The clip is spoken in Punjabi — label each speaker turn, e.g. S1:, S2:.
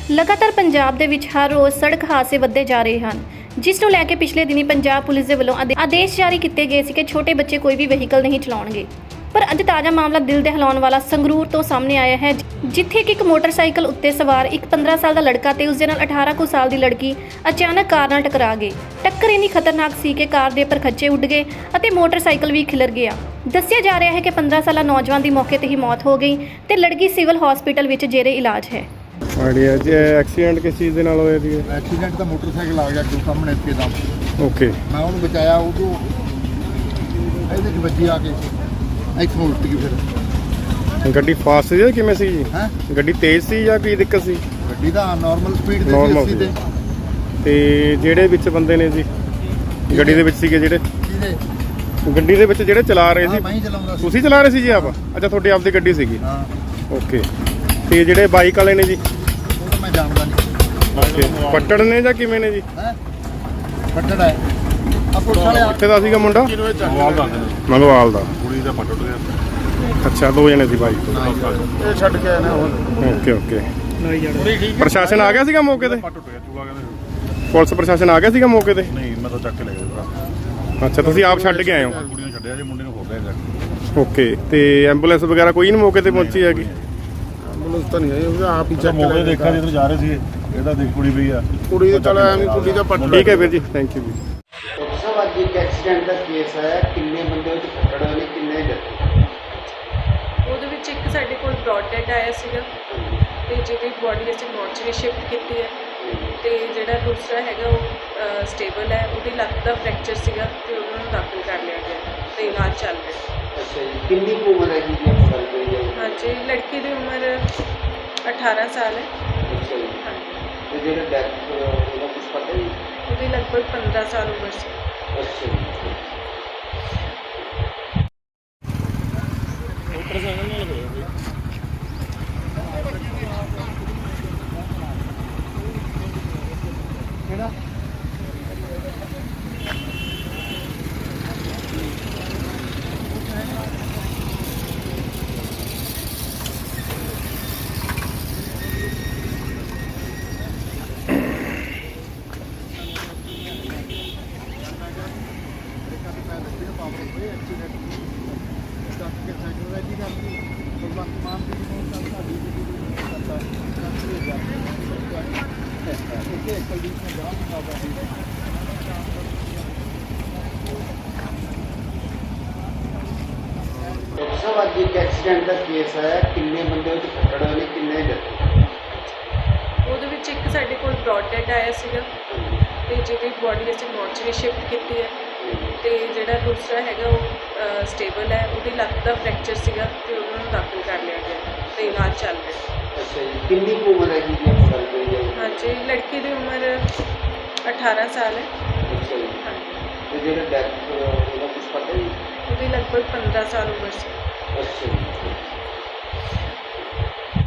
S1: ਲਗਾਤਾਰ ਪੰਜਾਬ ਦੇ ਵਿੱਚ ਹਰ ਰੋਜ਼ ਸੜਕ ਹਾਦਸੇ ਵੱਧਦੇ ਜਾ ਰਹੇ ਹਨ, ਜਿਸ ਨੂੰ ਲੈ ਕੇ ਪਿਛਲੇ ਦਿਨੀ ਪੰਜਾਬ ਪੁਲਿਸ ਦੇ ਵੱਲੋਂ ਆਦੇਸ਼ ਜਾਰੀ ਕੀਤੇ ਗਏ ਸੀ ਕਿ ਛੋਟੇ ਬੱਚੇ ਕੋਈ ਵੀ ਵਹੀਕਲ ਨਹੀਂ ਚਲਾਉਣਗੇ। ਪਰ ਅੱਜ ਤਾਜ਼ਾ ਮਾਮਲਾ ਦਿਲ ਦਹਿਲਾਉਣ ਵਾਲਾ ਸੰਗਰੂਰ ਤੋਂ ਸਾਹਮਣੇ ਆਇਆ ਹੈ, ਜਿੱਥੇ ਕਿ ਇੱਕ ਮੋਟਰਸਾਈਕਲ ਉੱਤੇ ਸਵਾਰ ਇੱਕ 15 ਸਾਲ ਦਾ ਲੜਕਾ ਤੇ ਉਸ ਦੇ ਨਾਲ 18 ਕੁ ਸਾਲ ਦੀ ਲੜਕੀ ਅਚਾਨਕ ਕਾਰ ਨਾਲ ਟਕਰਾ ਗਏ। ਟੱਕਰ ਇੰਨੀ ਖਤਰਨਾਕ ਸੀ ਕਿ ਕਾਰ ਦੇ ਪਰਖੱਚੇ ਉੱਡ ਗਏ ਅਤੇ ਮੋਟਰਸਾਈਕਲ ਵੀ ਖਿਲਰ ਗਿਆ। ਦੱਸਿਆ ਜਾ ਰਿਹਾ ਹੈ ਕਿ 15 ਸਾਲਾ ਨੌਜਵਾਨ ਦੀ ਮੌਕੇ ਤੇ ਹੀ ਮੌਤ ਹੋ ਗਈ ਤੇ ਲੜਕੀ ਸਿਵਲ ਹਸਪੀਟਲ ਵਿੱਚ ਜੇਰੇ ਇਲਾਜ ਹੈ।
S2: ਆਈਡੀਆ ਜੀ ਐਕਸੀਡੈਂਟ ਕਿਸ ਚੀਜ਼ ਦੇ ਨਾਲ ਹੋਇਆ ਜੀ?
S3: ਐਕਸੀਡੈਂਟ ਤਾਂ ਮੋਟਰਸਾਈਕਲ ਆ ਗਿਆ ਅੱਗੇ ਸਾਹਮਣੇ ਇੱਕਦਮ।
S2: ਓਕੇ,
S3: ਮੈਂ ਉਹਨੂੰ ਬਚਾਇਆ, ਉਦੋਂ ਇਹਦੇ 'ਚ ਵੱਜੀ ਆ ਕੇ ਇੱਥੋਂ ਉਲਟ ਗਈ। ਫਿਰ
S2: ਗੱਡੀ ਫਾਸਟ ਸੀ ਜਾਂ ਕਿਵੇਂ ਸੀ ਜੀ?
S3: ਹੈ
S2: ਗੱਡੀ ਤੇਜ਼ ਸੀ ਜਾਂ ਕੀ ਦਿੱਕਤ ਸੀ?
S3: ਗੱਡੀ ਦਾ ਨਾਰਮਲ ਸਪੀਡ ਤੇ
S2: Normal
S3: ਸੀ 80 ਤੇ।
S2: ਤੇ ਜਿਹੜੇ ਵਿੱਚ ਬੰਦੇ ਨੇ ਜੀ ਗੱਡੀ ਦੇ ਵਿੱਚ ਸੀਗੇ, ਜਿਹੜੇ
S3: ਜਿਹਦੇ
S2: ਗੱਡੀ ਦੇ ਵਿੱਚ ਜਿਹੜੇ ਚਲਾ ਰਹੇ ਸੀ,
S3: ਮੈਂ ਹੀ ਚਲਾਉਂਦਾ ਸੀ।
S2: ਤੁਸੀਂ ਚਲਾ ਰਹੇ ਸੀ ਜੀ ਆਪ? ਅੱਛਾ, ਤੁਹਾਡੀ ਆਪਦੀ ਗੱਡੀ ਸੀਗੀ।
S3: ਹਾਂ,
S2: ਓਕੇ, ਤੇ ਜਿਹੜੇ ਬਾਈਕ ਵਾਲੇ ਨੇ ਜੀ?
S3: ਉਹ ਤਾਂ ਮੈਂ ਜਾਣਦਾ ਨਹੀਂ।
S2: ਓਕੇ, ਪੱਟੜ ਨੇ ਜਾਂ ਕਿਵੇਂ ਨੇ ਜੀ?
S3: ਹੈ ਪੱਟੜ ਹੈ ਆ ਪੁਲਿਸ ਵਾਲੇ ਆ।
S2: ਕਿੱਥੇ ਦਾ ਸੀਗਾ ਮੁੰਡਾ? ਮੰਗਵਾਲ ਦਾ।
S4: ਕੁੜੀ ਦਾ ਪੱਟ ਗਿਆ।
S2: ਅੱਛਾ, ਦੋ ਜਣੇ ਸੀ ਬਾਈਕ ਤੇ।
S3: ਇਹ ਛੱਡ ਕੇ ਆਏ ਨੇ ਹੁਣ।
S2: ਓਕੇ ਓਕੇ, ਪ੍ਰਸ਼ਾਸਨ ਆ ਗਿਆ ਸੀਗਾ ਮੌਕੇ ਤੇ?
S4: ਪੱਟ ਟੁੱਟ ਗਿਆ, ਚੂਲਾ ਕਹਿੰਦੇ।
S2: ਪੁਲਿਸ ਪ੍ਰਸ਼ਾਸਨ ਆ ਗਿਆ ਸੀਗਾ ਮੌਕੇ ਤੇ?
S4: ਨਹੀਂ, ਮੈਂ ਤਾਂ ਚੱਕ ਕੇ ਲੈ ਗਿਆ।
S2: ਅੱਛਾ, ਤੁਸੀਂ ਆਪ ਛੱਡ ਕੇ ਆਏ ਹੋ?
S4: ਕੁੜੀ ਨੂੰ ਛੱਡਿਆ ਜੀ, ਮੁੰਡੇ ਨੂੰ ਹੋ ਗਿਆ ਜਾ।
S2: ਓਕੇ, ਤੇ ਐਂਬੂਲੈਂਸ ਵਗੈਰਾ ਕੋਈ ਨਹੀਂ ਮੌਕੇ ਤੇ ਪਹੁੰਚੀ ਹੈਗੀ?
S3: ਐਂਬੂਲੈਂਸ ਤਾਂ ਨਹੀਂ ਆਈ, ਉਹ ਆਪ ਹੀ
S4: ਚੱਲ ਮੌਕੇ ਦੇਖਿਆ ਜਿੱਧਰ ਜਾ ਰਹੇ ਸੀ, ਇਹਦਾ ਦੇਖ ਕੁੜੀ ਪਈ ਆ।
S3: ਕੁੜੀ ਦੇ ਚਲ ਐਵੇਂ ਕੁੜੀ ਦਾ ਪੱਟ।
S2: ਠੀਕ ਹੈ ਵੀਰ ਜੀ, ਥੈਂਕ ਯੂ ਜੀ।
S5: ਸਭ ਅੱਜ ਇੱਕ ਐਕਸੀਡੈਂਟ ਦਾ ਕੇਸ ਹੈ। ਕਿੰਨੇ ਬੰਦੇ ਵਿੱਚ ਫੱਟੜ ਹੋਏ ਨੇ, ਕਿੰਨੇ ਡੱਟੇ?
S6: ਉਹਦੇ ਵਿੱਚ ਇੱਕ ਸਾਡੇ ਕੋਲ ਬ੍ਰੌਡ ਡੈਡ ਆਇਆ ਸੀਗਾ ਤੇ ਜਿਹਦੀ ਬੋਡੀ ਅਸੀਂ ਮੋਰਚਰੀ ਸ਼ਿਫਟ ਕੀਤੀ ਹੈ, ਤੇ ਜਿਹੜਾ ਦੂਸਰਾ ਹੈਗਾ ਉਹ ਸਟੇਬਲ ਹੈ। ਉਹਦੀ ਲੱਤ ਦਾ ਫ੍ਰੈਕਚਰ ਸੀਗਾ ਤੇ ਉਹਨਾਂ ਨੂੰ ਦਾਖਲ ਕਰ ਲਿਆ ਗਿਆ ਤੇ ਇਲਾਜ ਚੱਲ ਰਿਹਾ।
S5: ਅੱਛਾ ਜੀ, ਕਿੰਨੀ ਕੁ ਉਮਰ ਹੈਗੀ ਜੀ ਆਪਾਂ ਗੱਲ ਕਰੀਏ?
S6: ਹਾਂਜੀ, ਲੜਕੀ ਦੀ ਉਮਰ 18 ਸਾਲ ਹੈ।
S5: ਅੱਛਾ ਜੀ,
S6: ਹਾਂਜੀ,
S5: ਤੇ ਜਿਹੜਾ ਡੈਥ ਉਹਦਾ ਕੁਝ ਪਤਾ ਜੀ?
S6: ਉਹਦੀ ਲਗਭਗ 15 ਸਾਲ ਉਮਰ ਸੀ।
S5: ਅੱਛਾ ਜੀ, ਸਭ ਅੱਜ ਇੱਕ ਐਕਸੀਡੈਂਟ ਦਾ ਕੇਸ ਹੈ। ਕਿੰਨੇ ਬੰਦੇ ਵਿੱਚ ਫੱਟੜ ਹੋਏ ਨੇ, ਕਿੰਨੇ ਡੱਟੇ?
S6: ਉਹਦੇ ਵਿੱਚ ਇੱਕ ਸਾਡੇ ਕੋਲ ਬ੍ਰੌਡ ਡੈਡ ਆਇਆ ਸੀਗਾ ਤੇ ਜਿਹਦੀ ਬੋਡੀ ਅਸੀਂ ਮੋਰਚਰੀ ਸ਼ਿਫਟ ਕੀਤੀ ਹੈ, ਤੇ ਜਿਹੜਾ ਦੂਸਰਾ ਹੈਗਾ ਉਹ ਸਟੇਬਲ ਹੈ। ਉਹਦੀ ਲੱਤ ਦਾ ਫ੍ਰੈਕਚਰ ਸੀਗਾ ਤੇ ਉਹਨਾਂ ਨੂੰ ਦਾਖਲ ਕਰ ਲਿਆ ਗਿਆ ਤੇ ਇਲਾਜ ਚੱਲ ਰਿਹਾ।
S5: ਅੱਛਾ ਜੀ, ਕਿੰਨੀ ਕੁ ਉਮਰ ਹੈਗੀ ਜੀ ਆਪਾਂ ਗੱਲ ਕਰੀਏ?
S6: ਹਾਂਜੀ, ਲੜਕੀ ਦੀ ਉਮਰ 18 ਸਾਲ ਹੈ।
S5: ਅੱਛਾ ਜੀ,
S6: ਹਾਂਜੀ,
S5: ਤੇ ਜਿਹੜਾ ਡੈਥ ਉਹਦਾ ਕੁਝ ਪਤਾ ਜੀ?
S6: ਉਹਦੀ ਲਗਭਗ 15 ਸਾਲ ਉਮਰ ਸੀ।
S5: ਅੱਛਾ ਜੀ।